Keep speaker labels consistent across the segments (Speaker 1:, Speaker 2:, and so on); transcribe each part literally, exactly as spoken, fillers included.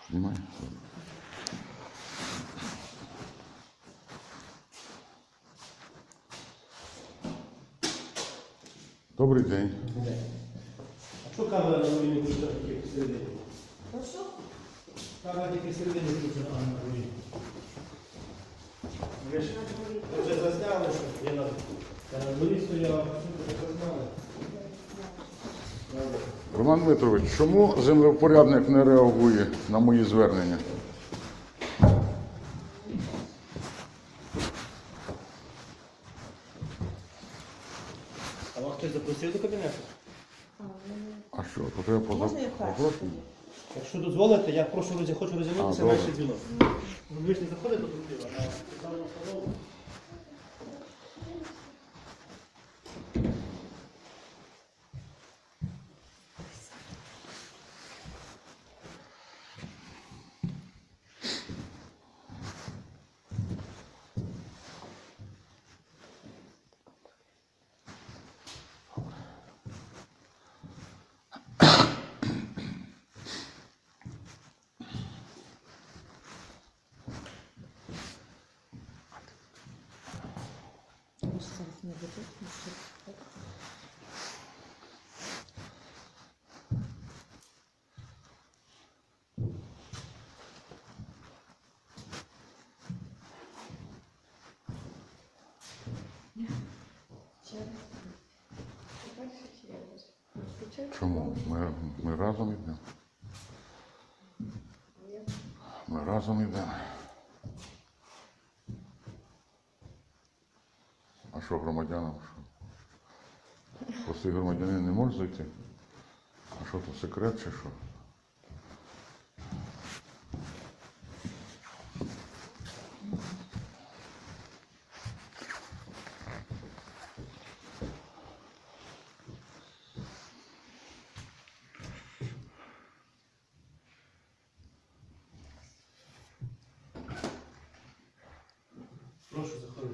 Speaker 1: Знімай. Добрий день.
Speaker 2: А що камера на руїні включена тільки всередині?
Speaker 3: Прошу?
Speaker 2: Камера тільки всередині включена, а на руїні. Ви ж ви вже засняли, що я на я на дворі стояв, що ви засняли? Добре.
Speaker 1: Роман Дмитрович, чому землевпорядник не реагує на мої звернення?
Speaker 2: А вас хтось запросив до кабінету?
Speaker 1: А що, то треба поза...
Speaker 3: Можна я першу
Speaker 1: попросити?
Speaker 3: тоді?
Speaker 2: Якщо дозволите, я прошу роз- хочу
Speaker 1: А,
Speaker 2: розвернутися
Speaker 1: добре.
Speaker 2: на ще дзвінок. Ви ж не заходите до трубки, а ставимо столову.
Speaker 3: Може, зараз не буде, тому що так.
Speaker 1: Чому? Ми, ми разом йдемо. Ми разом йдемо. А що громадянам? Що? Простий громадянин не може зайти? А що то, секрет чи що?
Speaker 2: Прошу заходити.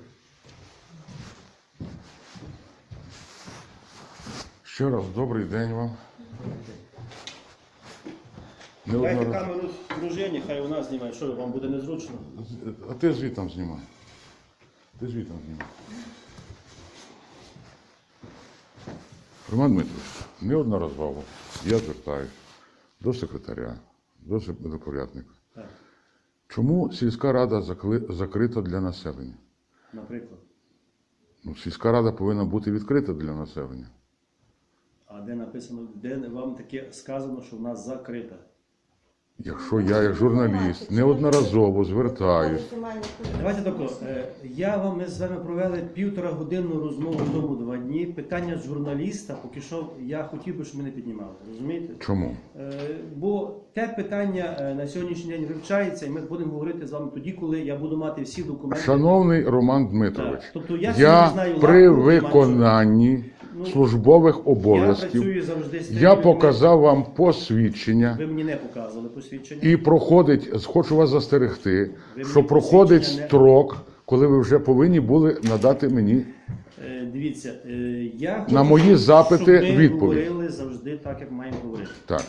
Speaker 1: Ще раз добрий день вам. Не
Speaker 2: Дайте
Speaker 1: одна...
Speaker 2: камеру дружині, хай вона знімає, що вам буде незручно.
Speaker 1: А ти звітом знімай. Ти звітом знімай. Роман Дмитрович, неодноразово я звертаюся до секретаря, до землевпорядника.
Speaker 2: Так,
Speaker 1: Чому сільська рада закли- закрита для населення?
Speaker 2: наприклад.
Speaker 1: Ну, сільська рада повинна бути відкрита для населення.
Speaker 2: А де написано, де вам таке сказано, що в нас закрита?
Speaker 1: Якщо я, як журналіст, неодноразово звертаюсь,
Speaker 2: Давайте тако. е, Я вам, ми з вами провели півтора годинну розмову тому два дні. Питання журналіста, поки що я хотів би, щоб ми не піднімали. Розумієте?
Speaker 1: чому?
Speaker 2: Е, Бо те питання е, на сьогоднішній день вивчається, і ми будемо говорити з вами тоді, коли я буду мати всі документи.
Speaker 1: Шановний Роман Дмитрович,
Speaker 2: Так, тобто я
Speaker 1: я
Speaker 2: сьогодні знаю
Speaker 1: при
Speaker 2: лапу,
Speaker 1: виконанні
Speaker 2: Ну,
Speaker 1: службових
Speaker 2: Я
Speaker 1: обов'язків,
Speaker 2: працюю завжди з тими
Speaker 1: я
Speaker 2: людьми.
Speaker 1: показав вам посвідчення
Speaker 2: Ви мені не показували посвідчення.
Speaker 1: і проходить, хочу вас застерегти,
Speaker 2: мені
Speaker 1: що проходить
Speaker 2: посвідчення не-
Speaker 1: строк, коли ви вже повинні були надати мені.
Speaker 2: Е, Дивіться, е, я хочу,
Speaker 1: На мої
Speaker 2: щоб-
Speaker 1: запити
Speaker 2: щоб ми
Speaker 1: відповідь.
Speaker 2: говорили завжди так, як маємо говорити.
Speaker 1: Так,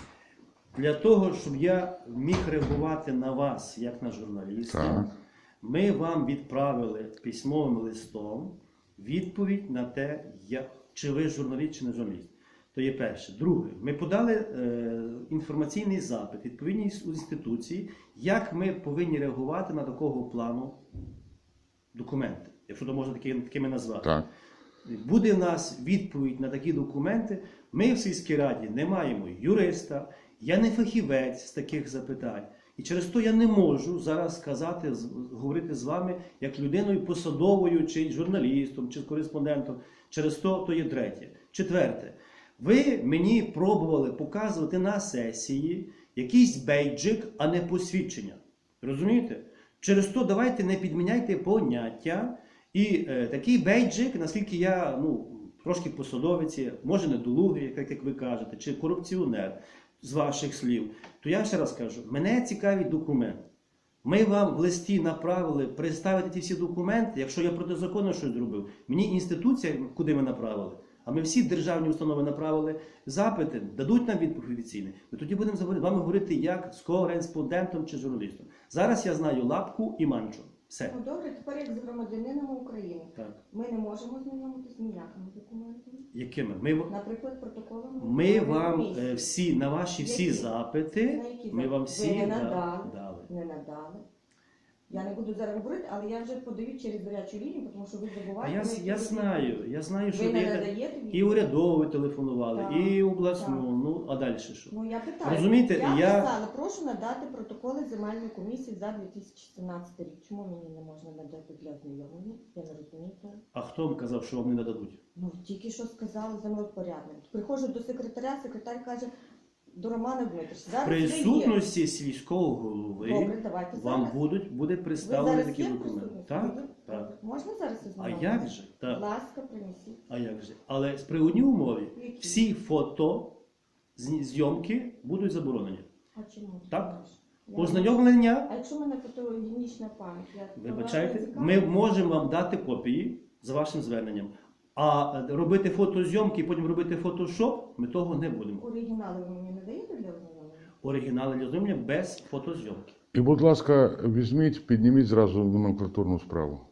Speaker 2: Для того, щоб я міг реагувати на вас, як на журналіста,
Speaker 1: Так.
Speaker 2: ми вам відправили письмовим листом відповідь на те, я, чи ви журналіст, чи не журналіст. То є перше. Друге, ми подали е, інформаційний запит відповідній інституції, як ми повинні реагувати на такого плану документи, якщо то можна таки- такими назвати.
Speaker 1: так.
Speaker 2: Буде в нас відповідь на такі документи. Ми в сільській раді не маємо юриста, я не фахівець з таких запитань. І через то я не можу зараз сказати, з- говорити з вами як людиною посадовою, чи журналістом, чи кореспондентом. Через то то є третє. Четверте. Ви мені пробували показувати на сесії якийсь бейджик, а не посвідчення. Розумієте? Через то давайте не підміняйте поняття. І е, такий бейджик, наскільки я ну, трошки посадовець, є, може недолугий, як, як ви кажете, чи корупціонер з ваших слів, то я ще раз кажу, мене цікавить документ. Ми вам в листі направили представити ті всі документи, якщо я протизаконно щось зробив. Мені інституція, куди ми направили, а ми всі державні установи направили запити, дадуть нам відповідь офіційну, ми тоді будемо з вами говорити як з кореспондентом чи журналістом. Зараз я знаю Лапку і Манчо. Все.
Speaker 4: Ну добре, тепер як з громадянином України.
Speaker 2: Так.
Speaker 4: Ми не можемо знайомитися з ніякими документами.
Speaker 2: Якими? Ми,
Speaker 4: Наприклад, протоколами.
Speaker 2: ми вам
Speaker 4: комісії.
Speaker 2: е, всі, на ваші всі
Speaker 4: Які?
Speaker 2: запити,
Speaker 4: На які
Speaker 2: ми вам
Speaker 4: запити?
Speaker 2: всі
Speaker 4: Ви не
Speaker 2: да-
Speaker 4: надали.
Speaker 2: дали.
Speaker 4: Не надали. Я не буду зараз говорити, але я вже подаю через гарячу лінію, тому що ви
Speaker 2: А
Speaker 4: забуваєте.
Speaker 2: я,
Speaker 4: на які
Speaker 2: я
Speaker 4: ви-
Speaker 2: знаю, я знаю, що
Speaker 4: Ви не
Speaker 2: ви
Speaker 4: надаєте
Speaker 2: і
Speaker 4: відповідь?
Speaker 2: урядово телефонували,
Speaker 4: Так,
Speaker 2: і обласну,
Speaker 4: так.
Speaker 2: ну а далі що?
Speaker 4: Ну я питаю.
Speaker 2: Розумієте,
Speaker 4: я,
Speaker 2: я-
Speaker 4: писала, прошу надати протоколи земельної комісії за дві тисячі сімнадцятий рік. Чому мені не можна надати для ознайомлення? Я не розумію того.
Speaker 2: А хто вам казав, що вам не нададуть?
Speaker 4: Ну тільки що сказали землепорядник. Приходжу до секретаря, секретар каже, до Романа Дмитрича, зараз
Speaker 2: В
Speaker 4: ви є.
Speaker 2: присутності сільського голови
Speaker 4: Добре, давайте
Speaker 2: вам
Speaker 4: зараз.
Speaker 2: будуть буде
Speaker 4: Ви
Speaker 2: представлені
Speaker 4: зараз
Speaker 2: такі
Speaker 4: є
Speaker 2: документи.
Speaker 4: присутні?
Speaker 2: Так,
Speaker 4: Добре.
Speaker 2: так.
Speaker 4: Можна зараз
Speaker 2: А
Speaker 4: ознайомитися?
Speaker 2: як же?
Speaker 4: Будь
Speaker 2: Так.
Speaker 4: ласка, принесіть.
Speaker 2: А як же? Але з при одній умові
Speaker 4: Які?
Speaker 2: всі фото зні- зйомки будуть заборонені.
Speaker 4: А чому?
Speaker 2: Так.
Speaker 4: Я-
Speaker 2: Ознайомлення,
Speaker 4: А якщо в мене фотогенічна пам'ять? Я то вас
Speaker 2: вибачайте,
Speaker 4: не цікавить?
Speaker 2: ми можемо вам дати копії за вашим зверненням. А е, робити фотозйомки і потім робити фотошоп, ми того не будемо.
Speaker 4: Оригінали ви мені не даєте для ознайомлення?
Speaker 2: Оригінали для ознайомлення без фотозйомки.
Speaker 1: І, будь ласка, візьміть, підніміть зразу номенклатурну справу.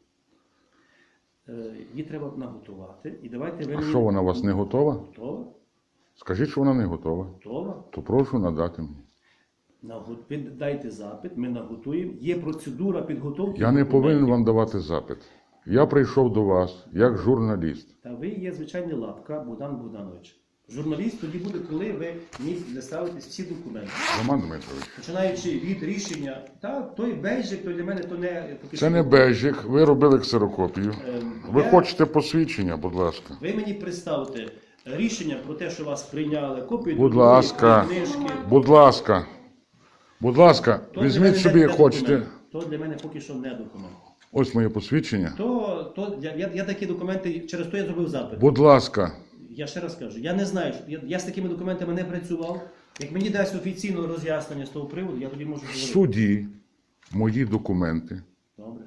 Speaker 2: Е, Її треба наготувати. І давайте ви
Speaker 1: А
Speaker 2: мені-
Speaker 1: що вона у вас не готова?
Speaker 2: Готова?
Speaker 1: Скажіть, що вона не готова.
Speaker 2: Готова?
Speaker 1: То прошу надати мені.
Speaker 2: Нагот- ви Дайте запит, ми наготуємо. Є процедура підготовки.
Speaker 1: Я не
Speaker 2: документів.
Speaker 1: повинен вам давати запит. Я прийшов до вас як журналіст.
Speaker 2: Та ви є звичайний Лапка Богдан Богданович. Журналіст тоді буде, коли ви мені доставите всі документи.
Speaker 1: Роман Дмитрович.
Speaker 2: Починаючи від рішення, та той бейджик, то для мене то не поки
Speaker 1: Це
Speaker 2: що-
Speaker 1: не бежик, ви робили ксерокопію.
Speaker 2: Ем,
Speaker 1: Ви
Speaker 2: я-
Speaker 1: хочете посвідчення, будь ласка.
Speaker 2: Ви мені представте рішення про те, що вас прийняли, копію
Speaker 1: Будь
Speaker 2: договорів,
Speaker 1: ласка.
Speaker 2: книжки.
Speaker 1: Будь ласка. Будь ласка,
Speaker 2: То для
Speaker 1: візьміть
Speaker 2: мене
Speaker 1: собі,
Speaker 2: не
Speaker 1: хочете.
Speaker 2: документ. То для мене поки що не документ.
Speaker 1: Ось моє посвідчення.
Speaker 2: То, то я, я, я такі документи, через то я зробив запит.
Speaker 1: Будь ласка.
Speaker 2: Я ще раз кажу, я не знаю, що- я, я з такими документами не працював. Як мені дасть офіційне роз'яснення з того приводу, я тоді можу
Speaker 1: В
Speaker 2: говорити.
Speaker 1: суді мої документи
Speaker 2: Добре,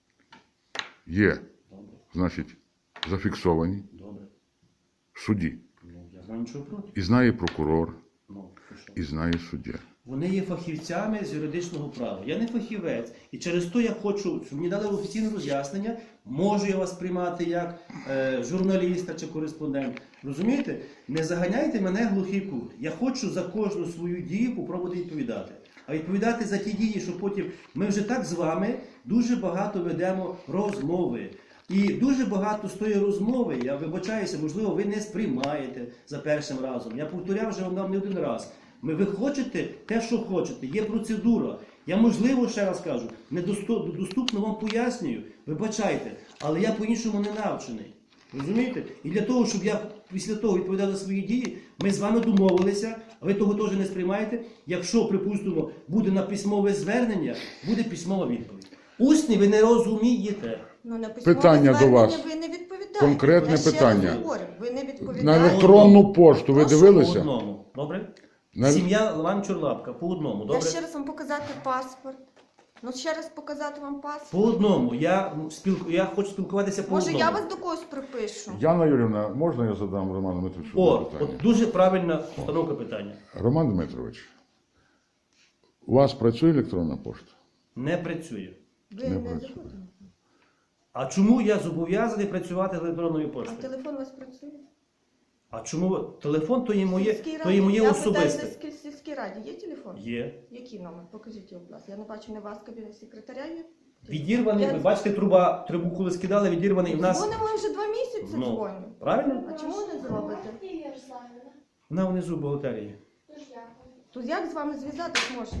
Speaker 1: є,
Speaker 2: добре,
Speaker 1: значить, зафіксовані
Speaker 2: добре.
Speaker 1: в суді.
Speaker 2: Ну, я знаю нічого проти.
Speaker 1: І знає прокурор,
Speaker 2: Ну, то що?
Speaker 1: і знає суддя.
Speaker 2: Вони є фахівцями з юридичного права. Я не фахівець. І через то я хочу, щоб мені дали офіційне роз'яснення, можу я вас приймати як е, журналіста чи кореспондент. Розумієте? Не заганяйте мене в глухий кут. Я хочу за кожну свою дію попробувати відповідати. А відповідати за ті дії, що потім ми вже так з вами дуже багато ведемо розмови. І дуже багато з тої розмови, я вибачаюся, можливо, ви не сприймаєте за першим разом. Я повторяв вже вам не один раз. Ми, ви хочете те, що хочете, є процедура. Я, можливо, ще раз кажу, недоступно вам пояснюю, вибачайте, але я по-іншому не навчений. Розумієте? І для того, щоб я після того відповідав за свої дії, ми з вами домовилися, а ви того теж не сприймаєте. Якщо, припустимо, буде на письмове звернення, буде письмова відповідь. Усні ви не розумієте.
Speaker 4: Ну, на письмове
Speaker 1: Питання до
Speaker 4: звернення
Speaker 1: вас.
Speaker 4: ви не відповідаєте.
Speaker 1: Конкретне
Speaker 4: Я ще раз
Speaker 1: питання.
Speaker 4: говорю, ви не
Speaker 1: На
Speaker 4: відповідаєте.
Speaker 1: електронну пошту ви
Speaker 4: Прошу,
Speaker 2: По
Speaker 1: дивилися?
Speaker 2: одному. Добре?
Speaker 1: На-
Speaker 2: Сім'я Ланчур-Лапка, по одному.
Speaker 4: Я
Speaker 2: Добре?
Speaker 4: ще раз вам показати паспорт. Ну, ще раз показати вам
Speaker 2: По
Speaker 4: паспорт.
Speaker 2: одному. Я, ну, спілку... я хочу спілкуватися по
Speaker 4: Може,
Speaker 2: одному.
Speaker 4: я вас до когось припишу?
Speaker 1: Яна Юрівна, можна я задам Роману Дмитровичу
Speaker 2: О,
Speaker 1: питання?
Speaker 2: от дуже правильна постановка питання.
Speaker 1: Роман Дмитрович, у вас працює електронна пошта?
Speaker 2: Не працює.
Speaker 4: Ви
Speaker 1: Не
Speaker 4: не
Speaker 1: працює.
Speaker 4: заходите?
Speaker 2: А чому я зобов'язаний працювати з електронною
Speaker 4: А
Speaker 2: поштою?
Speaker 4: телефон у вас працює?
Speaker 2: А чому ви- телефон то є моє,
Speaker 4: Сільській
Speaker 2: то є
Speaker 4: раді.
Speaker 2: моє
Speaker 4: Я
Speaker 2: особисте.
Speaker 4: питаю, в сільській раді є телефон?
Speaker 2: Є.
Speaker 4: Який номер? Покажіть його, будь ласка. Я не бачу не вас, кабінет секретаря є.
Speaker 2: Відірваний,
Speaker 4: Я-
Speaker 2: ви бачите, труба, трубу коли скидали, відірваний і в нас.
Speaker 4: Дзвонимо вже два місяці,
Speaker 2: Ну,
Speaker 4: дзвоню.
Speaker 2: правильно?
Speaker 4: А чому не зробите?
Speaker 2: Вона внизу бухгалтерії.
Speaker 4: То як з вами зв'язатись можна?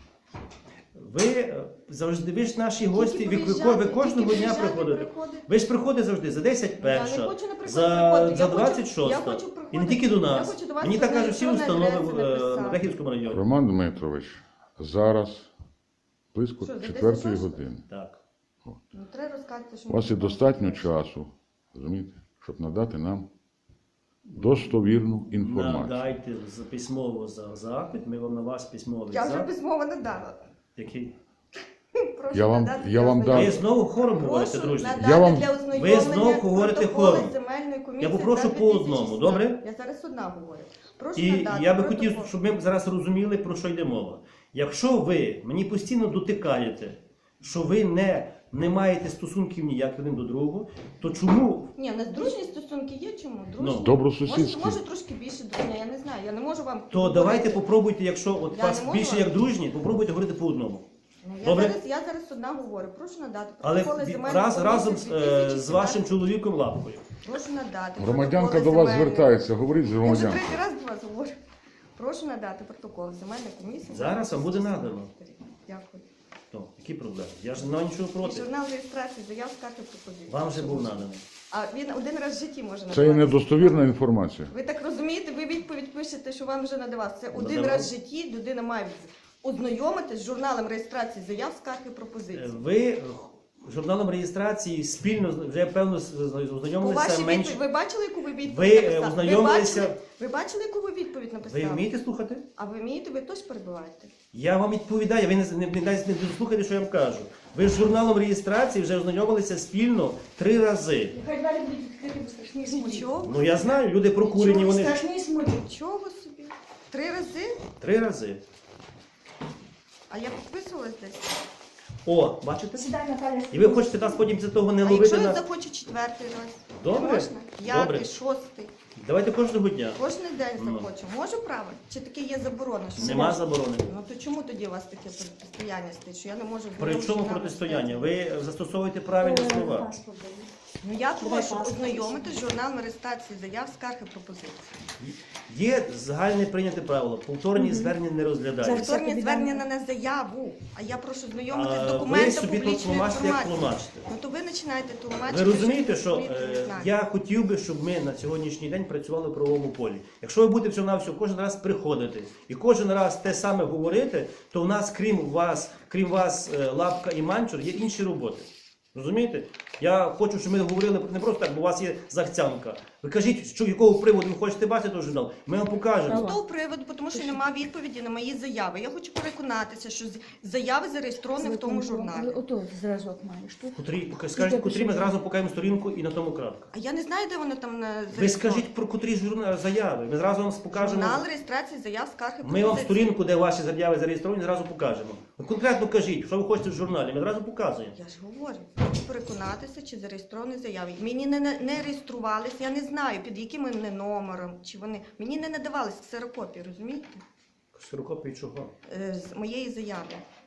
Speaker 2: Ви е, завжди, ви ж наші гості, ви, ви,
Speaker 4: приїжджати,
Speaker 2: ви кожного
Speaker 4: тільки
Speaker 2: дня
Speaker 4: приїжджати,
Speaker 2: приходите.
Speaker 4: приходити.
Speaker 2: Ви ж приходите завжди за десять
Speaker 4: Я не
Speaker 2: перша,
Speaker 4: хочу, наприклад,
Speaker 2: за,
Speaker 4: приходити.
Speaker 2: за
Speaker 4: Я хочу-
Speaker 2: двадцять
Speaker 4: я
Speaker 2: шоста.
Speaker 4: хочу
Speaker 2: І не
Speaker 4: приходити.
Speaker 2: тільки до
Speaker 4: Я
Speaker 2: нас.
Speaker 4: хочу до вас
Speaker 2: Мені так
Speaker 4: на
Speaker 2: кажуть всі
Speaker 4: електронні
Speaker 2: установи в
Speaker 4: адреси
Speaker 2: е,
Speaker 4: написати.
Speaker 2: на Рахівському районі.
Speaker 1: Роман Дмитрович, зараз близько
Speaker 4: Що, за
Speaker 1: четвертої
Speaker 4: десять
Speaker 1: години.
Speaker 2: Так.
Speaker 4: Ну, треба розказати, що
Speaker 1: У вас є
Speaker 4: ми-
Speaker 1: достатньо часу, розумієте, щоб надати нам достовірну інформацію.
Speaker 2: Надайте з- письмово за запит, ми вам на вас письмовий
Speaker 4: Я вже
Speaker 2: запит.
Speaker 4: письмово не дала.
Speaker 2: Який?
Speaker 4: Прошу
Speaker 1: Я вам-
Speaker 4: надати
Speaker 1: я
Speaker 4: для
Speaker 1: вам
Speaker 4: ознайомлення.
Speaker 1: дам-
Speaker 2: Ви знову хором говорите,
Speaker 4: Прошу
Speaker 2: друзі.
Speaker 4: надати
Speaker 1: Я вам-
Speaker 4: для
Speaker 2: Ви
Speaker 4: ознайомлення
Speaker 2: знову говорите
Speaker 4: протоколи
Speaker 2: хором.
Speaker 4: земельної комісії
Speaker 2: Я попрошу
Speaker 4: за
Speaker 2: по одному,
Speaker 4: 2016.
Speaker 2: добре?
Speaker 4: Я зараз одна говорю. Прошу
Speaker 2: І
Speaker 4: надати
Speaker 2: я би
Speaker 4: протокол.
Speaker 2: хотів, щоб ми зараз розуміли, про що йде мова. Якщо ви мені постійно дотикаєте, що ви не, не маєте стосунків ніяк один до другого, то чому
Speaker 4: Ні, у нас дружні стосунки є, чому? Дружні.
Speaker 2: Ну,
Speaker 1: добросусідські.
Speaker 4: Може, може трошки більше дружні, я не знаю, я не можу вам
Speaker 2: то
Speaker 4: говорити.
Speaker 2: давайте попробуйте, якщо от
Speaker 4: Я
Speaker 2: вас
Speaker 4: не можу.
Speaker 2: більше як дружні, попробуйте говорити по одному.
Speaker 4: Ну, я,
Speaker 2: Добре.
Speaker 4: зараз, я зараз одна говорю, прошу надати
Speaker 2: Але
Speaker 4: протоколи
Speaker 2: ві-
Speaker 4: земельної
Speaker 2: раз,
Speaker 4: комісії
Speaker 2: разом з, е, з
Speaker 4: 2017.
Speaker 2: вашим чоловіком Лапкою.
Speaker 4: Прошу надати
Speaker 1: Громадянка
Speaker 4: протоколи
Speaker 1: до вас
Speaker 4: земельної-
Speaker 1: звертається, говоріть з
Speaker 4: Я вже
Speaker 1: громадянкою.
Speaker 4: третій раз до вас говорю. Прошу надати протокол земельної комісії.
Speaker 2: Зараз вам буде надано.
Speaker 4: Дякую.
Speaker 2: То, які проблеми? Я ж не маю нічого
Speaker 4: І
Speaker 2: проти.
Speaker 4: журнал реєстрації заяв скарги пропозиції.
Speaker 2: Вам вже був наданий.
Speaker 4: А він один раз в житті може надавати.
Speaker 1: Це є недостовірна інформація.
Speaker 4: Ви так розумієте, ви відповідь пишете, що вам вже надавав. Це один
Speaker 2: Надавав.
Speaker 4: раз в житті людина має ознайомитись з журналом реєстрації заяв скарги
Speaker 2: Е,
Speaker 4: пропозицій.
Speaker 2: Ви е, журналом реєстрації спільно, з- вже певно з- з-
Speaker 4: По
Speaker 2: ознайомилися
Speaker 4: вашій
Speaker 2: менше.
Speaker 4: відповіді, ви бачили, яку ви відповідь
Speaker 2: Ви, е,
Speaker 4: написали?
Speaker 2: ознайомилися-
Speaker 4: Ви бачили, ви бачили, яку ви відповідь написали?
Speaker 2: Ви вмієте слухати?
Speaker 4: А ви вмієте, ви теж перебуваєте?
Speaker 2: Я вам відповідаю, ви не, не, не, не, не слухайте, що я вам кажу. Ви з журналом реєстрації вже ознайомилися спільно три рази.
Speaker 5: Нехай двері будуть відкриті, бо страшні смуті.
Speaker 4: Чого?
Speaker 2: Ну я знаю, люди прокурені, вони
Speaker 5: Страшні смуті.
Speaker 4: Чого собі? Три рази?
Speaker 2: три рази.
Speaker 4: А я підписувалась десь.
Speaker 2: О, бачите?
Speaker 5: Сідай, Наталя.
Speaker 2: І ви хочете нас потім після того не
Speaker 4: А
Speaker 2: ловити
Speaker 4: якщо я
Speaker 2: на...
Speaker 4: захочу четвертий раз?
Speaker 2: Добре.
Speaker 4: Можна? П'ятий,
Speaker 2: Добре.
Speaker 4: шостий.
Speaker 2: Давайте кожного дня.
Speaker 4: Кожен день
Speaker 2: Ну.
Speaker 4: захочу. Можу право? Чи таке є заборона? Що
Speaker 2: Нема
Speaker 4: можна?
Speaker 2: заборони.
Speaker 4: Ну то чому тоді у вас таке протистояння стоїть, що я не можу...
Speaker 2: При
Speaker 4: вдвох
Speaker 2: чому
Speaker 4: журналах
Speaker 2: протистояння?
Speaker 4: стояти?
Speaker 2: Ви застосовуєте правильні
Speaker 5: Ой,
Speaker 2: слова.
Speaker 5: паспорт дай.
Speaker 4: Ну я
Speaker 5: Давай
Speaker 4: прошу
Speaker 5: паспорт.
Speaker 4: ознайомити з журналом реєстрації заяв, скарг і пропозицій.
Speaker 2: Є загальне прийняте правило. Повторні звернення не розглядаються.
Speaker 5: Зараз.
Speaker 4: Повторні
Speaker 5: тобі
Speaker 4: звернення
Speaker 5: дам.
Speaker 4: на не заяву, а я прошу знайомити
Speaker 2: А
Speaker 4: з
Speaker 2: ви
Speaker 4: документом
Speaker 2: собі тут
Speaker 4: публічної
Speaker 2: тлумачите, як
Speaker 4: інформації.
Speaker 2: тлумачите.
Speaker 4: Ну то ви починаєте
Speaker 2: Ви
Speaker 4: тлумачити.
Speaker 2: розумієте, що
Speaker 4: ви не
Speaker 2: е,
Speaker 4: знаєте.
Speaker 2: я хотів би, щоб ми на сьогоднішній день працювали в правовому полі. Якщо ви будете всього на всього кожен раз приходити і кожен раз те саме говорити, то в нас, крім вас, крім вас, е, Лапка і Манчур, є інші роботи. Розумієте? Я хочу, щоб ми говорили не просто так, бо у вас є захцянка. Ви кажіть, що якого приводу ви хочете бачити той журнал. Ми вам покажемо.
Speaker 4: З того приводу, тому що немає відповіді на мої заяви. Я хочу переконатися, що з- заяви зареєстровані в тому журналі.
Speaker 5: Ото зразок маєш тут.
Speaker 2: Котрі, скажіть, котрі ми зразу покажемо сторінку і на тому крапка.
Speaker 4: А я не знаю, де воно там на
Speaker 2: Ви скажіть про котрі журнал заяви. Ми зразу вам покажемо.
Speaker 4: Журнал реєстрації заяв, скарг і
Speaker 2: Ми вам
Speaker 4: пропозицій.
Speaker 2: сторінку, де ваші заяви зареєстровані, зразу покажемо. Ви конкретно кажіть, що ви хочете в журналі, ми зразу показуємо.
Speaker 4: Я ж говорю, хочу переконатися, чи зареєстровані заяви. Мені не, не, не реєструвалися, я не знаю, під яким вони номером, чи вони. Мені не надавались ксерокопії, розумієте?
Speaker 2: Ксерокопії чого?
Speaker 4: Е, З моєї заяви.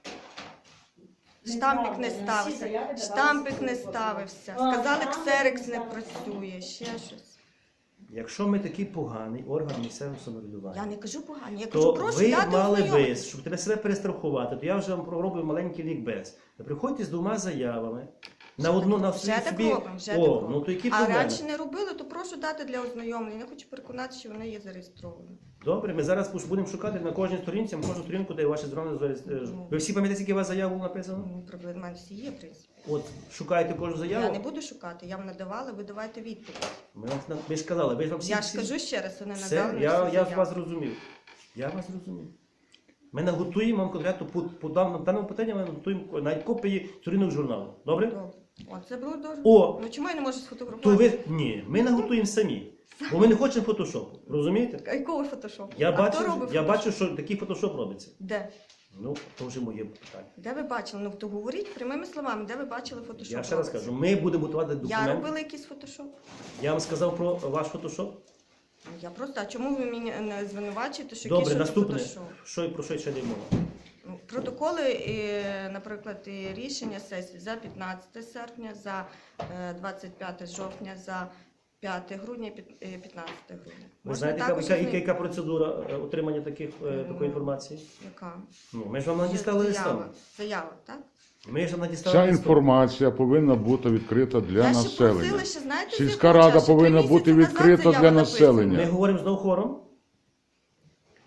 Speaker 5: Неправда.
Speaker 4: Штампик не
Speaker 5: Всі
Speaker 4: ставився.
Speaker 5: заяви давалися
Speaker 4: Штампик не
Speaker 5: ксерокопії.
Speaker 4: ставився.
Speaker 5: А,
Speaker 4: Сказали,
Speaker 5: штампик
Speaker 4: ксерекс
Speaker 5: не
Speaker 4: не
Speaker 5: ставився.
Speaker 4: працює, ще щось.
Speaker 2: Якщо ми такий поганий орган місцевого самоврядування,
Speaker 4: Я не кажу погані, я кажу,
Speaker 2: то
Speaker 4: прошу
Speaker 2: ви
Speaker 4: дати
Speaker 2: мали би,
Speaker 4: ознайомитись.
Speaker 2: щоб тебе себе перестрахувати, то я вже вам пророблю маленький лікбез. Ви приходьте з двома заявами. На одну на
Speaker 4: Вже
Speaker 2: всі
Speaker 4: так
Speaker 2: собі.
Speaker 4: робимо, вже
Speaker 2: О,
Speaker 4: так робимо.
Speaker 2: ну то які
Speaker 4: А
Speaker 2: проблеми?
Speaker 4: раніше не робили, то прошу дати для ознайомлення. Я хочу переконатися, що вони є зареєстровані.
Speaker 2: Добре, ми зараз пуш- будемо шукати на кожній сторінці, на кожну сторінку, де ваші зрони. Ви всі пам'ятаєте, скільки у вас заяв було написано?
Speaker 4: Ну, проблеми в мене всі є, в принципі.
Speaker 2: От шукаєте кожну заяву.
Speaker 4: Я не буду шукати, я вам надавала, ви давайте відповідь.
Speaker 2: Ми вам на- ви ж казали, ви ж вам всі.
Speaker 4: Я ж
Speaker 2: всі-
Speaker 4: кажу ще раз, вони
Speaker 2: Все,
Speaker 4: надали.
Speaker 2: я,
Speaker 4: всі
Speaker 2: я
Speaker 4: заяви.
Speaker 2: вас зрозумів. Я вас зрозумів. Ми наготуємо вам конкретно по, по даному, даному питанню, ми наготуємо навіть копії сторінок журналу. Добре?
Speaker 4: Добре. О, це було дуже.
Speaker 2: О!
Speaker 4: Ну чому я не можу
Speaker 2: То
Speaker 4: сфотографувати?
Speaker 2: ви ні, ми наготуємо самі. Бо ми не хочемо фотошопу. Розумієте?
Speaker 4: А якого фотошопу?
Speaker 2: Я
Speaker 4: а
Speaker 2: бачу,
Speaker 4: хто робить
Speaker 2: я
Speaker 4: фотошоп?
Speaker 2: бачу, що такий фотошоп робиться.
Speaker 4: Де?
Speaker 2: Ну, то вже моє питання.
Speaker 4: Де ви бачили? Ну то говоріть прямими словами, де ви бачили фотошоп?
Speaker 2: Я ще раз
Speaker 4: робиться?
Speaker 2: кажу, ми будемо готувати
Speaker 4: Я
Speaker 2: документ.
Speaker 4: робила якийсь фотошоп?
Speaker 2: Я вам сказав про ваш фотошоп.
Speaker 4: Ну, Я просто, а чому ви мені не звинувачуєте, що
Speaker 2: Добре,
Speaker 4: якийсь
Speaker 2: наступне.
Speaker 4: фотошоп?
Speaker 2: Що і про що ще не мова?
Speaker 4: Ну, Протоколи, і, наприклад, і рішення сесії за п'ятнадцяте серпня, за е, двадцять п'яте жовтня, за п'яте грудня, під- е, п'ятнадцяте грудня.
Speaker 2: Ви
Speaker 4: Можна
Speaker 2: знаєте, яка,
Speaker 4: також
Speaker 2: яка,
Speaker 4: із
Speaker 2: яка,
Speaker 4: ним-
Speaker 2: яка процедура е, отримання таких, е,
Speaker 4: Ну,
Speaker 2: такої інформації?
Speaker 4: Яка?
Speaker 2: Ну, ми ж вам надіслали
Speaker 4: Заява.
Speaker 2: листами.
Speaker 4: Заява, так?
Speaker 2: Ми ж вам надіслали
Speaker 1: Ця
Speaker 2: листом.
Speaker 1: інформація повинна бути відкрита для
Speaker 4: Я ще
Speaker 1: населення.
Speaker 4: просила, ще, знаєте, з
Speaker 1: Сільська
Speaker 4: якого
Speaker 1: рада
Speaker 4: часу? Три
Speaker 1: повинна
Speaker 4: місяці
Speaker 1: бути
Speaker 4: назад
Speaker 1: відкрита
Speaker 4: заява
Speaker 1: для
Speaker 4: написана.
Speaker 1: населення.
Speaker 2: Ми говоримо знову хором.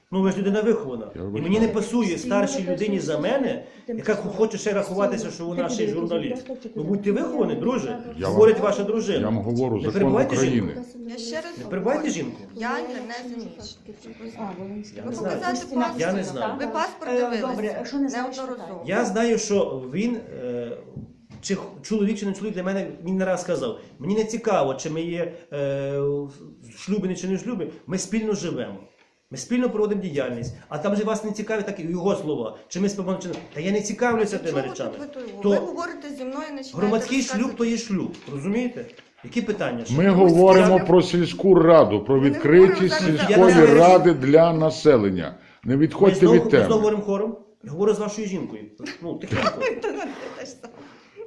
Speaker 2: Ну ви ж людина вихована.
Speaker 1: Я
Speaker 2: І
Speaker 1: вибачаю.
Speaker 2: мені не пасує старшій людині за мене, яка хоче ще рахуватися, що вона ще й журналіст. Ну будьте виховані, друже.
Speaker 1: Я
Speaker 2: Говорить
Speaker 1: вам-
Speaker 2: ваша дружина.
Speaker 1: Я вам говорю,
Speaker 2: Не
Speaker 1: закон
Speaker 2: перебивайте
Speaker 1: України.
Speaker 2: жінку.
Speaker 4: Я ще раз
Speaker 2: Не перебивайте
Speaker 4: говорю,
Speaker 2: жінку.
Speaker 4: я є не заміжня.
Speaker 5: А, Волинська.
Speaker 2: Я
Speaker 4: Ви
Speaker 2: не знаю.
Speaker 4: показати паспорт.
Speaker 2: Я не знаю.
Speaker 4: Ви паспорт
Speaker 5: Е,
Speaker 4: дивилися
Speaker 5: добре, що не знаєш,
Speaker 4: неодноразово.
Speaker 2: Я знаю, що він, е, чи х- чоловік, чи не чоловік, для мене він не раз сказав. Мені не цікаво, чи ми є е, шлюбені чи не в шлюбі, ми спільно живемо. Ми спільно проводимо діяльність. А там же вас не цікавить так і його слова. Чи ми спимо, чи не. Та я не цікавлюся тими
Speaker 4: Чого
Speaker 2: речами.
Speaker 4: тут ви, тут?
Speaker 2: То
Speaker 4: ви говорите зі мною, починаєте
Speaker 2: громадський шлюб
Speaker 4: розказувати.
Speaker 2: то є шлюб. Розумієте? Які питання? ще?
Speaker 1: Ми говоримо про сільську раду, про
Speaker 4: Ми не
Speaker 1: відкритість
Speaker 4: говоримо зараз за-
Speaker 1: сільської
Speaker 2: Я не знаю.
Speaker 1: ради для населення. Не
Speaker 2: Ми
Speaker 1: відходьте
Speaker 2: знову,
Speaker 1: від
Speaker 2: ми знову
Speaker 1: теми.
Speaker 2: говоримо хором. Я говорю з вашою жінкою. Ну, тихенько.
Speaker 4: Та ну, те ж саме.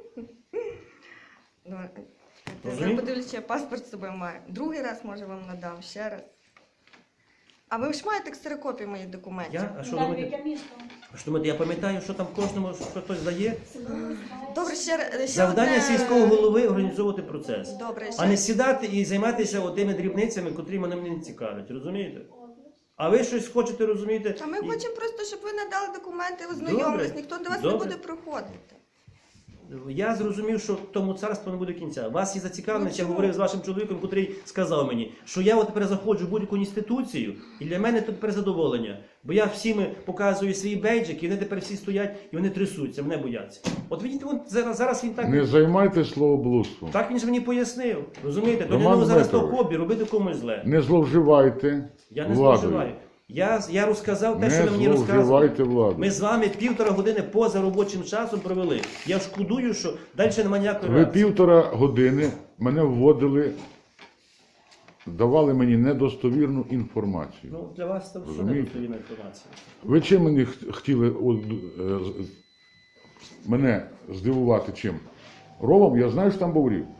Speaker 4: Давай.
Speaker 2: Розумієте?
Speaker 4: Я подивлюсь, чи я паспорт з собою маю. Другий раз, може, вам надам, ще раз. А ви ж маєте ксерокопії моїх документів?
Speaker 2: Я? А що
Speaker 5: Так,
Speaker 2: думаєте?
Speaker 5: яке місто?
Speaker 2: А що думаєте, я пам'ятаю, що там кожному що хтось дає?
Speaker 4: Добре, ще, ще
Speaker 2: Завдання
Speaker 4: одне-
Speaker 2: сільського голови організовувати процес.
Speaker 4: Добре, ще...
Speaker 2: А не сідати і займатися тими дрібницями, котрі мене не цікавлять, розумієте? А ви щось хочете, розумієте?
Speaker 4: А ми
Speaker 2: і-
Speaker 4: хочемо просто, щоб ви надали документи, ознайомились.
Speaker 2: Добре.
Speaker 4: Ніхто до вас
Speaker 2: Добре.
Speaker 4: не буде приходити.
Speaker 2: Я зрозумів, що тому царству не буде кінця. Вас є зацікавленість,
Speaker 4: Ну,
Speaker 2: я
Speaker 4: чому?
Speaker 2: говорив з вашим чоловіком, котрий сказав мені, що я от тепер заходжу в будь-яку інституцію, і для мене тут тепер задоволення. Бо я всім показую свій бейджик, і вони тепер всі стоять, і вони трясуться, мене бояться. От видите, от зараз, зараз він так.
Speaker 1: Не займайтесь словоблудством.
Speaker 2: Так він ж мені пояснив. Розумієте? То
Speaker 1: Роман
Speaker 2: не зараз то
Speaker 1: Дмитрович.
Speaker 2: хобі, робити комусь зле.
Speaker 1: Не зловживайте
Speaker 2: Я не
Speaker 1: владою.
Speaker 2: зловживаю. Я, я розказав те, що
Speaker 1: Не
Speaker 2: ви мені розказували.
Speaker 1: зловживайте владою.
Speaker 2: Ми з вами півтора години поза робочим часом провели. Я шкодую, що далі немає ніякої
Speaker 1: Ви
Speaker 2: реакції.
Speaker 1: півтора години мене вводили, давали мені недостовірну інформацію.
Speaker 2: Ну, для вас це все
Speaker 1: Розумієте?
Speaker 2: недостовірна інформація.
Speaker 1: Ви чим мені х- хотіли от, е, з- мене здивувати чим? Ровом, я знаю, що там був рів.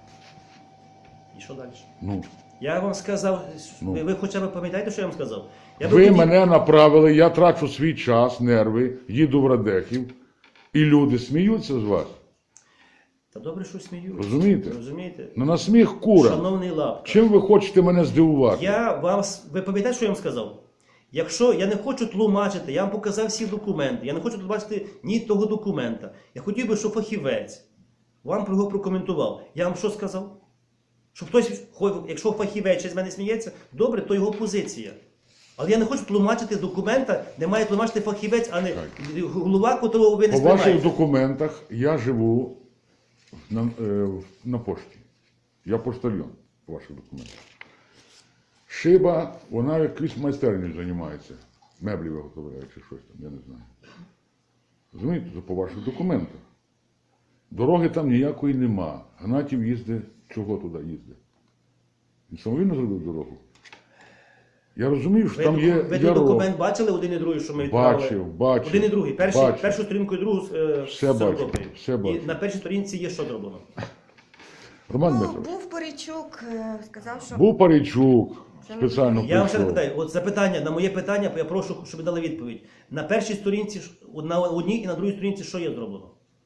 Speaker 2: І що далі?
Speaker 1: Ну,
Speaker 2: Я вам сказав,
Speaker 1: Ну.
Speaker 2: ви, ви хоча б пам'ятаєте, що я вам сказав? Я би
Speaker 1: ви
Speaker 2: тоді-
Speaker 1: мене направили, я трачу свій час, нерви, їду в Радехів, і люди сміються з вас.
Speaker 2: Та добре, що сміюсь.
Speaker 1: Розумієте?
Speaker 2: Розумієте?
Speaker 1: Ну на сміх кура.
Speaker 2: Шановний Лапка,
Speaker 1: Чим ви хочете мене здивувати?
Speaker 2: я вам, с- ви пам'ятаєте, що я вам сказав? Якщо я не хочу тлумачити, я вам показав всі документи, я не хочу тут бачити ні того документа. Я хотів би, щоб фахівець вам його прокоментував. Я вам що сказав? Що хтось, хо- якщо фахівець ще з мене сміється, добре, то його позиція. Але я не хочу тлумачити з документа, де має тлумачити фахівець, а не голова, котрого ви не
Speaker 1: По ваших
Speaker 2: сприймаєте.
Speaker 1: документах я живу на, е, на пошті. Я поштальйон по ваших документах. Шиба, вона якусь майстерню займається. Меблі виготовляє чи щось там, я не знаю. Розумієте, це по ваших документах. Дороги там ніякої нема. Гнатів їздить, чого туди їздить? Він самовільно зробив дорогу. Я розумію, що
Speaker 2: Ви,
Speaker 1: там є
Speaker 2: доку- ви той
Speaker 1: ярок.
Speaker 2: документ бачили один і другий, що ми відправили?
Speaker 1: Бачив, бачив.
Speaker 2: Один і другий. Перший,
Speaker 1: Бачив.
Speaker 2: першу сторінку і другу е,
Speaker 1: Все
Speaker 2: з
Speaker 1: бачив,
Speaker 2: ксерокопією.
Speaker 1: все бачив.
Speaker 2: І на першій сторінці є що зроблено.
Speaker 1: Роман
Speaker 4: Ну,
Speaker 1: Дмитрович,
Speaker 4: був Порічук, е, сказав, що...
Speaker 1: був Парійчук,
Speaker 4: Це не
Speaker 1: спеціально
Speaker 2: Я вам ще
Speaker 1: прийшов.
Speaker 2: питаю, от запитання, на моє питання, я прошу, щоб ви дали відповідь. На першій сторінці, ж- на одній і на другій сторінці, що є зроблено?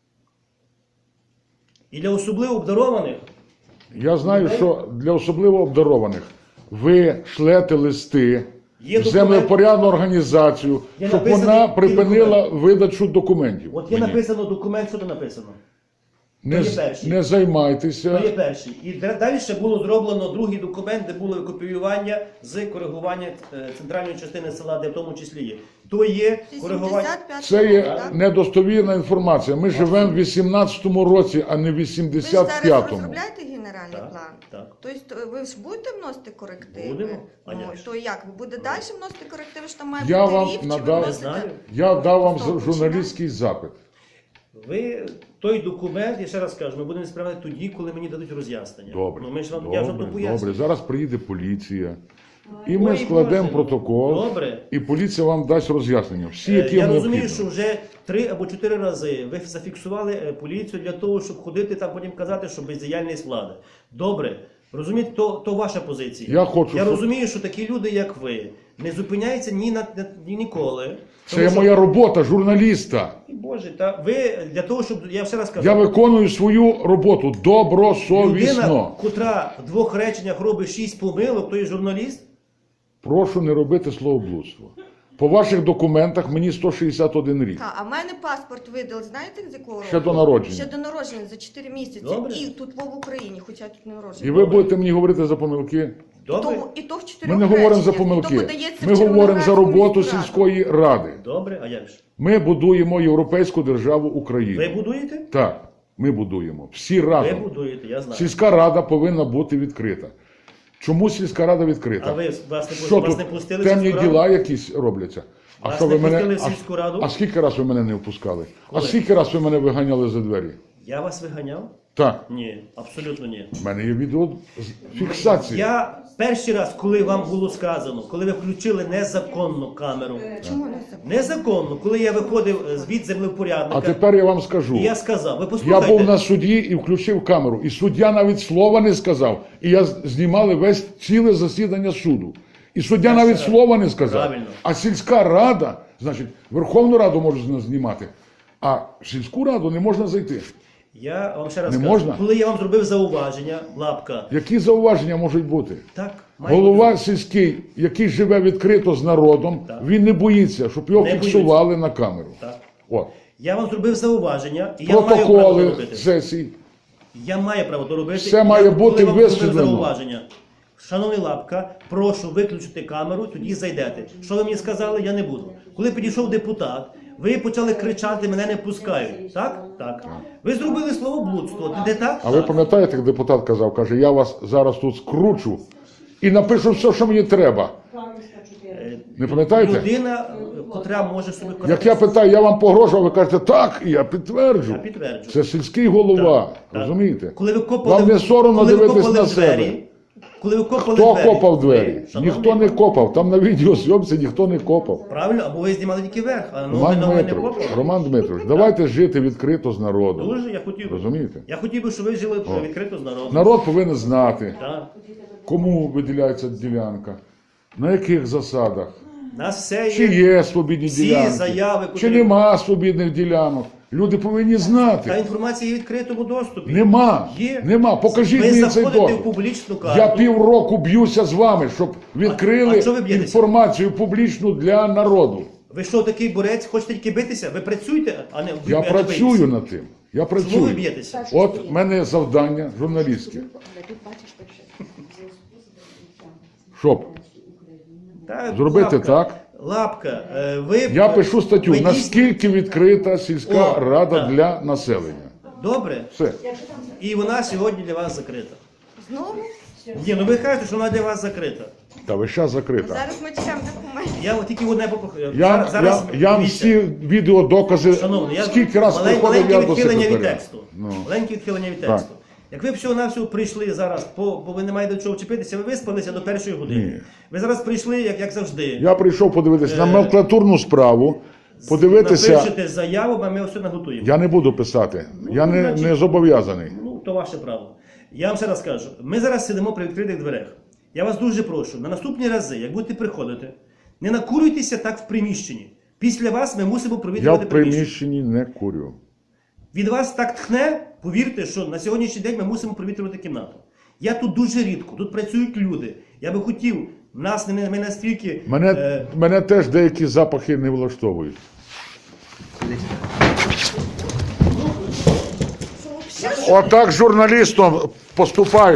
Speaker 2: І для особливо обдарованих,
Speaker 1: Я знаю, що для особливо обдарованих ви шлете листи
Speaker 2: Є
Speaker 1: в
Speaker 2: документ.
Speaker 1: землепорядну організацію,
Speaker 2: Є
Speaker 1: щоб
Speaker 2: написано,
Speaker 1: вона
Speaker 2: який
Speaker 1: припинила
Speaker 2: документ.
Speaker 1: видачу документів.
Speaker 2: от є
Speaker 1: мені.
Speaker 2: написано документ, що тут написано.
Speaker 1: Не,
Speaker 2: є
Speaker 1: з-
Speaker 2: перший.
Speaker 1: не займайтеся.
Speaker 2: То є перший. І дра- далі ще було зроблено другий документ, де було копіювання з коригування е, центральної частини села, де в тому числі є. То є коригування.
Speaker 4: вісімдесят п'ятий
Speaker 1: Це є
Speaker 4: рік, так?
Speaker 1: недостовірна інформація. Ми живемо в вісімнадцятому році, а не в
Speaker 4: Ви ж зараз
Speaker 1: вісімдесят п'ятому.
Speaker 4: розробляєте генеральний
Speaker 2: Так,
Speaker 4: план?
Speaker 2: так.
Speaker 4: Тобто ви ж будете вносити корективи?
Speaker 2: Будемо. А
Speaker 4: Ну,
Speaker 2: як же?
Speaker 4: то як? Ви будете далі вносити корективи, що там має
Speaker 1: Я
Speaker 4: бути
Speaker 1: вам
Speaker 4: рів, чи
Speaker 1: надав-
Speaker 4: ви
Speaker 2: Не
Speaker 4: вносите?
Speaker 2: знаю.
Speaker 1: Я дав вам
Speaker 4: Стоп,
Speaker 1: журналістський запит.
Speaker 2: Ви той документ, я ще раз кажу, ми будемо справляти тоді, коли мені дадуть роз'яснення.
Speaker 1: Добре,
Speaker 2: Ну, ми ж вам, я ж вам
Speaker 1: добре,
Speaker 2: то поясню.
Speaker 1: добре. Зараз приїде поліція. І ми
Speaker 2: Ой,
Speaker 1: складемо
Speaker 2: Боже.
Speaker 1: протокол,
Speaker 2: Добре.
Speaker 1: і поліція вам дасть роз'яснення. Всі,
Speaker 2: Е,
Speaker 1: які
Speaker 2: Я
Speaker 1: вам
Speaker 2: розумію,
Speaker 1: необхідно.
Speaker 2: що вже три або чотири рази ви зафіксували е, поліцію для того, щоб ходити там потім казати, що бездіяльність влади. Добре. Розумієте, то, то ваша позиція.
Speaker 1: Я хочу,
Speaker 2: я
Speaker 1: щоб-
Speaker 2: розумію, що такі люди, як ви, не зупиняються ні на ні ніколи.
Speaker 1: Це
Speaker 2: Тому що-
Speaker 1: моя робота, журналіста.
Speaker 2: Ой, Боже, та ви для того, щоб я ще раз кажу,
Speaker 1: Я виконую свою роботу добросовісно.
Speaker 2: людина, котра в двох реченнях робить шість помилок, то є журналіст.
Speaker 1: Прошу не робити словоблудство. По ваших документах мені сто шістдесят один рік.
Speaker 4: Та, а в мене паспорт видали, знаєте, з якого року?
Speaker 1: Ще до народження.
Speaker 4: Ще до народження, за чотири місяці.
Speaker 2: Добре.
Speaker 4: І тут в Україні, хоча я тут не народжена.
Speaker 1: І ви будете мені говорити за помилки?
Speaker 4: І
Speaker 2: Добре?
Speaker 4: то, і то в чотирьох
Speaker 1: Ми не говоримо за
Speaker 4: реченнях, і то
Speaker 1: помилки.
Speaker 4: подається в
Speaker 1: Ми говоримо за
Speaker 4: Червоноградську
Speaker 1: роботу
Speaker 4: міську раду.
Speaker 1: сільської ради.
Speaker 2: Добре, а як ж?
Speaker 1: Ми будуємо європейську державу Україну.
Speaker 2: Ви будуєте?
Speaker 1: Так, ми будуємо. Всі
Speaker 2: Ви
Speaker 1: разом.
Speaker 2: будуєте, я знаю.
Speaker 1: Сільська рада повинна бути відкрита. Чому сільська рада відкрита?
Speaker 2: А ви вас не,
Speaker 1: Що
Speaker 2: вас
Speaker 1: тут
Speaker 2: не пустили в
Speaker 1: темні
Speaker 2: сільську раду?
Speaker 1: діла якісь робляться? А
Speaker 2: Вас
Speaker 1: що
Speaker 2: не
Speaker 1: ви мене
Speaker 2: пустили в
Speaker 1: а,
Speaker 2: сільську раду?
Speaker 1: а скільки раз ви мене не впускали?
Speaker 2: Коли?
Speaker 1: А скільки раз ви мене виганяли за двері?
Speaker 2: Я вас виганяв?
Speaker 1: Так,
Speaker 2: Ні, абсолютно ні.
Speaker 1: в мене є відео з- фіксації.
Speaker 2: Я перший раз, коли вам було сказано, коли ви включили незаконну камеру,
Speaker 4: Чому не це?
Speaker 2: незаконно, коли я виходив е, з від землевпорядника,
Speaker 1: А тепер я вам скажу.
Speaker 2: і я сказав, ви
Speaker 1: Я
Speaker 2: послухайте,
Speaker 1: був на суді і включив камеру. І суддя навіть слова не сказав. І я з- знімали весь ціле засідання суду. І суддя
Speaker 2: Я
Speaker 1: навіть
Speaker 2: ще-
Speaker 1: слова не сказав.
Speaker 2: Правильно.
Speaker 1: А сільська рада, значить, Верховну Раду можна знімати, а в сільську раду не можна зайти.
Speaker 2: я вам ще раз
Speaker 1: Не
Speaker 2: кажу,
Speaker 1: можна?
Speaker 2: коли я вам зробив зауваження, лапка,
Speaker 1: Які зауваження можуть бути?
Speaker 2: так, має
Speaker 1: Голова
Speaker 2: бути.
Speaker 1: сільський, який живе відкрито з народом,
Speaker 2: Так.
Speaker 1: він не боїться, щоб його
Speaker 2: Не
Speaker 1: фіксували на камеру.
Speaker 2: Так.
Speaker 1: От.
Speaker 2: Я вам зробив зауваження, і я маю право то
Speaker 1: Протоколи
Speaker 2: робити.
Speaker 1: сесій.
Speaker 2: Я маю право то робити.
Speaker 1: Все
Speaker 2: Я,
Speaker 1: має
Speaker 2: коли
Speaker 1: бути
Speaker 2: вам зробив
Speaker 1: висвітлено.
Speaker 2: зауваження. Шановний Лапка, прошу виключити камеру, тоді зайдете. Що ви мені сказали, я не буду. Коли підійшов депутат, ви почали кричати, мене не пускають. Так? Так. Ви зробили словоблудство. Де так?
Speaker 1: А ви пам'ятаєте, як депутат казав, каже, я вас зараз тут скручу і напишу все, що мені треба.
Speaker 2: Е,
Speaker 1: Не пам'ятаєте?
Speaker 2: Людина, е, котра може собі казати,
Speaker 1: Як я питаю, я вам погрожував, ви кажете, так, і я підтверджу.
Speaker 2: Я підтверджую.
Speaker 1: Це сільський голова,
Speaker 2: Так, так.
Speaker 1: розумієте?
Speaker 2: Коли ви копали,
Speaker 1: Вам не соромно
Speaker 2: коли ви
Speaker 1: дивитись
Speaker 2: копали
Speaker 1: на
Speaker 2: в двері,
Speaker 1: себе.
Speaker 2: Коли ви копали
Speaker 1: Хто
Speaker 2: двері,
Speaker 1: копав двері?
Speaker 2: ви, шановний
Speaker 1: Ніхто не
Speaker 2: пан,
Speaker 1: копав. Там на відеозйомці ніхто не копав.
Speaker 2: Правильно, або ви знімали тільки верх, а ну,
Speaker 1: Роман
Speaker 2: ви не
Speaker 1: Дмитрович,
Speaker 2: копали.
Speaker 1: Роман Дмитрович, давайте жити відкрито з народом.
Speaker 2: Дуже я хотів би.
Speaker 1: Розумієте?
Speaker 2: Я хотів би, щоб ви жили відкрито з народом.
Speaker 1: Народ повинен знати,
Speaker 2: Так.
Speaker 1: кому виділяється ділянка, на яких засадах.
Speaker 2: Нас все
Speaker 1: Чи
Speaker 2: є.
Speaker 1: є свобідні
Speaker 2: всі
Speaker 1: ділянки,
Speaker 2: заяви,
Speaker 1: чи
Speaker 2: котрі-
Speaker 1: нема свобідних ділянок. Люди повинні
Speaker 2: Та
Speaker 1: знати.
Speaker 2: інформація є в відкритому доступі.
Speaker 1: Нема.
Speaker 2: Є.
Speaker 1: Нема. Покажіть
Speaker 2: ви
Speaker 1: мені цей
Speaker 2: заходите в
Speaker 1: доступ.
Speaker 2: публічну карту.
Speaker 1: Я півроку б'юся з вами, щоб відкрили
Speaker 2: а чого ви б'єтеся?
Speaker 1: інформацію публічну для народу.
Speaker 2: Ви що, такий борець, хочете тільки битися? Ви працюєте, а не
Speaker 1: Я
Speaker 2: не
Speaker 1: працюю
Speaker 2: бийтеся.
Speaker 1: над тим. Я
Speaker 2: Чому ви
Speaker 1: працюю.
Speaker 2: б'єтеся?
Speaker 1: От в мене завдання журналістське.
Speaker 5: Але тут бачиш перше.
Speaker 1: Щоб
Speaker 2: Та,
Speaker 1: зробити
Speaker 2: лапка,
Speaker 1: так.
Speaker 2: Лапка, е, ви...
Speaker 1: Я пишу статтю,
Speaker 2: ви дійсно-
Speaker 1: наскільки відкрита сільська
Speaker 2: О,
Speaker 1: рада
Speaker 2: так.
Speaker 1: для населення.
Speaker 2: Добре.
Speaker 1: Все.
Speaker 2: І вона сьогодні для вас закрита.
Speaker 4: Знову?
Speaker 2: Ні, ну ви кажете, що вона для вас закрита.
Speaker 1: Та ви зараз закрита.
Speaker 4: Зараз ми чекаємо документи.
Speaker 2: Я от тільки одне попрохаю.
Speaker 1: Я, я, я вам
Speaker 2: дивіться.
Speaker 1: всі відеодокази,
Speaker 2: Шановний, я
Speaker 1: скільки раз
Speaker 2: малень-
Speaker 1: приходив
Speaker 2: маленьке
Speaker 1: я до
Speaker 2: відхилення від
Speaker 1: секретаря.
Speaker 2: тексту.
Speaker 1: Ну.
Speaker 2: Маленьке відхилення від
Speaker 1: Так.
Speaker 2: тексту. Як ви всього-навсього прийшли зараз, по, бо ви не маєте до чого вчепитися, ви виспалися до першої години.
Speaker 1: Ні.
Speaker 2: Ви зараз прийшли, як, як завжди.
Speaker 1: Я прийшов подивитися на
Speaker 2: Е,
Speaker 1: номенклатурну справу, подивитися.
Speaker 2: Напишете заяву, а ми все наготуємо.
Speaker 1: Я не буду писати. Я не,
Speaker 2: значить-
Speaker 1: не зобов'язаний.
Speaker 2: Ну, то ваше право. Я вам ще раз кажу, ми зараз сидимо при відкритих дверях. Я вас дуже прошу, на наступні рази, як будете приходити, не накурюйтеся так в приміщенні. Після вас ми мусимо
Speaker 1: Я
Speaker 2: провітрювати
Speaker 1: в
Speaker 2: приміщення.
Speaker 1: приміщенні не курю.
Speaker 2: Від вас так тхне, повірте, що на сьогоднішній день ми мусимо провітрювати кімнату. Я тут дуже рідко, тут працюють люди. Я би хотів, нас не ми настільки.
Speaker 1: Мене,
Speaker 2: е,
Speaker 1: мене теж деякі запахи не влаштовують. Отак журналістом поступає.